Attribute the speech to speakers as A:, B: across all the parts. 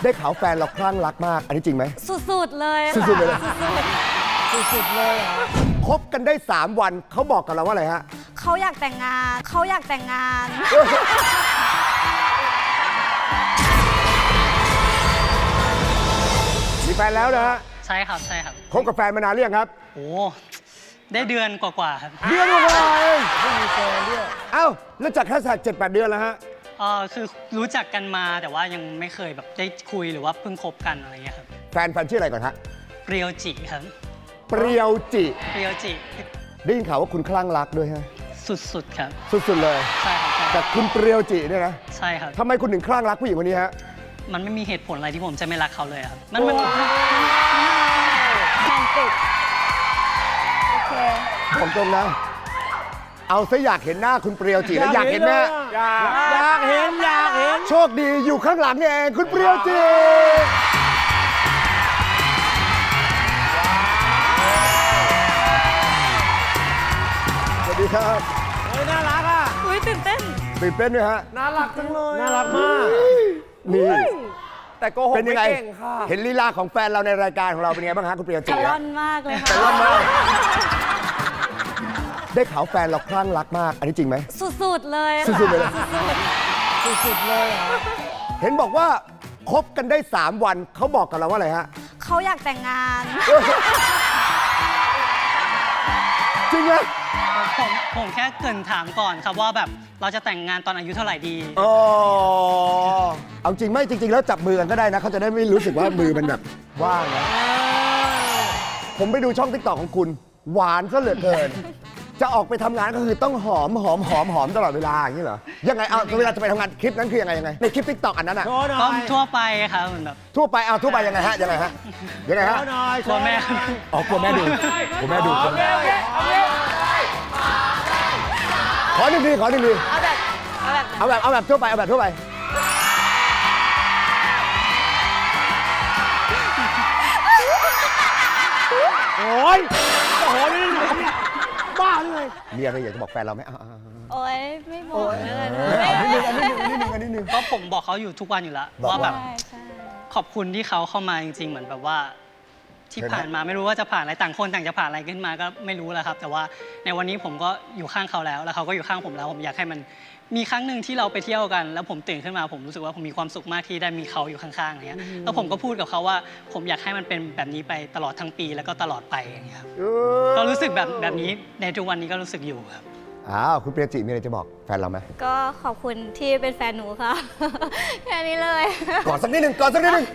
A: ได้ข่าวแฟนเราคลั่งรักมาก อันนี้จริงไหม
B: สุดๆเลย
A: สุดๆเลยนะ
B: สุดๆเลยเหรอ
A: คบกันได้ 3 วันเขาบอกกับเราว่าอะไรฮะ
B: เขาอยากแต่งงานเขาอยากแต่งงาน
A: มีแฟนแล้วนะฮะ
C: ใช่ครับใช่ครับ
A: คบกับแฟนมานานหรือยังครับ
C: โอ้ได้เดือนกว่าๆครับ
A: เดือนกว่าเองไม่มีแฟนด้วยเอ้าแล้วจากแค่สัก7-8 เดือนแล้วฮะ
C: คือรู้จักกันมาแต่ว่ายังไม่เคยแบบได้คุยหรือว่าเพิ่งคบกันอะไรเงี้ยครับ
A: แฟนชื่ออะไรก่อนฮะ
C: เปรียวจิครับ
A: เปรียวจิ
C: เปรียวจิ
A: ได้ยินข่าวว่าคุณคลั่งรักด้วยฮะ
C: สุดๆครับ
A: สุดๆเลย
C: ใช่ครับใช่ค
A: แต่
C: รับ
A: คุณเปรียวจิเนี่ยนะ
C: ใช่ครับ
A: ทำไมคุณถึงคลั่งรักผู้หญิงคนนี้ฮะ
C: มันไม่มีเหตุผลอะไรที่ผมจะไม่รักเขาเลยครับมัน
B: โรแมนติกโอเค
A: ผมตรงนะ เอาซะอยากเห็นหน้าคุณเปรียวจิแล้วอยากเห็นแม่
D: อยากเห็น
A: โชคดีอยู่ข้างหลังนี่เองคุณเปรียวจิสวัสดีครับ
D: เฮ้ยน่ารักอ่ะ
B: อุ้ยตื่นเต้น
A: ตื่นเต้นไหมฮะ
D: น่ารักจังเลยน่ารักมาก
A: นี่
D: แต่โกหก
A: เป็นยั
D: ไม่
A: งไง
D: เก่งค่ะ
A: เห็นลีลาของแฟนเราในรายการของเราเป็นไงบ้างฮะคุณเปรียวจิ
B: กระล่อ
A: ฮะ
B: นมากเลยค่ะ
A: กระล่อนมากได้ข่าวแฟนเราคลั่งรักมาก อันนี้จริงไหม
B: สุดๆเลยค่ะ
A: สุดๆเลยนะ
B: สุดๆเลยเหรอ
A: เห็นบอกว่าคบกันได้ 3 วันเขาบอกกับเราว่าอะไรฮะ
B: เขาอยากแต่งงาน
A: จริงไหม
C: ผมแค่เกรินถามก่อนครับว่าแบบเราจะแต่งงานตอนอายุเท่าไหร่ดี
A: อ๋อเอาจริงไหมจริง ๆ แล้วจับมือกันก็ได้นะเขาจะได้ไม่รู้สึกว่ามือมันแบบว่างนะผมไปดูช่องติ๊กต็อกของคุณ หวานซะเหลือเกิน จะออกไปทำงานก็คือต้องหอมตลอดเวลาอย่างนี้เหรอยังไงเอาเวลาจะไปทำงานคลิปนั้นคือยังไงในคลิปติ๊กต็อกอันนั้นอะ
D: โชว์หน่
C: ก็
D: อย
C: ทั่วไปครับเหมือนแบบ
A: ทั่วไปเอาทั่วไปยังไงฮะยังไงฮะ
D: โชว์หน่อย
C: กลัวแม่
A: อ๋อกลัวแม่ดูกลัวแม่ดูกลัวแม่ขอหนึ่งที
B: เอาแบบ
A: เอาแบบทั่วไปเอาแบบทั่วไป
D: โอ้ยโอ้โหนี่ไหนเนี่ยบ้าเลย
A: มีอะไรอยากจะบอกแฟนเราไหมเอา
B: โอ๊ยไม่บอกเลย
A: อันนี้หนึ่ง
C: ก็ผมบอกเขาอยู่ทุกวันอยู่แล้ว
A: บอกว่า
C: ว่าแบบ
B: ใช่ใช่
C: ขอบคุณที่เขาเข้ามาจริงๆ เหมือนแบบว่าที่ผ่านมาไม่รู้ว่าจะผ่านอะไรต่างคนต่างจะผ่านอะไรขึ้นมาก็ไม่รู้แหละครับ แต่ว่าในวันนี้ผมก็อยู่ข้างเขาแล้วเขาก็อยู่ข้างผมแล้ว ผมอยากให้มันมีครั้งหนึ่งที่เราไปเที่ยวกัน แล้วผมตื่นขึ้นมาผมรู้สึกว่าผมมีความสุขมากที่ได้มีเขาอยู่ข้างๆอย่างเงี้ยแล้วผมก็พูดกับเขาว่าผมอยากให้มันเป็นแบบนี้ไปตลอดทั้งปีแล้วก็ตลอดไปอย่างเงี้ยครับก็รู้สึกแบบนี้ในทุกวันนี้ก็รู้สึกอยู่ครับ
A: อ้าวคุณเปรียจิมีอะไรจะบอกแฟนเราไหม
B: ก็ขอบคุณที่เป็นแฟนหนูค่ะ แค่นี้เลย
A: กอดสักนิดหนึ่ง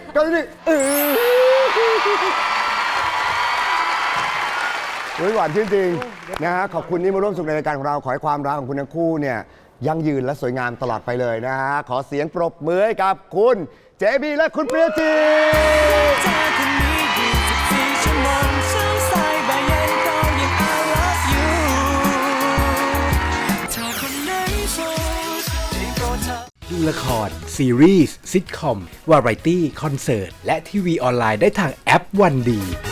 A: หวานชื่นจริงนะฮะขอบคุณที่มาร่วมสุขในรายการของเราขอให้ความรักของคุณทั้งคู่เนี่ยยั่งยืนและสวยงามตลอดไปเลยนะฮะขอเสียงปรบมือให้กับคุณเจบีและคุณเปรียจิ
E: เธอคนนี้24 ชั่วโมงเช้าสายบ่ายเย็นก็ยัง I love you เธอคนไหนโสดได้โปรดเธอ
F: ดูละคร ซีรีส์ซิทคอม วาไรตี้ คอนเสิร์ต และทีวีออนไลน์ได้ทางแอปวันดี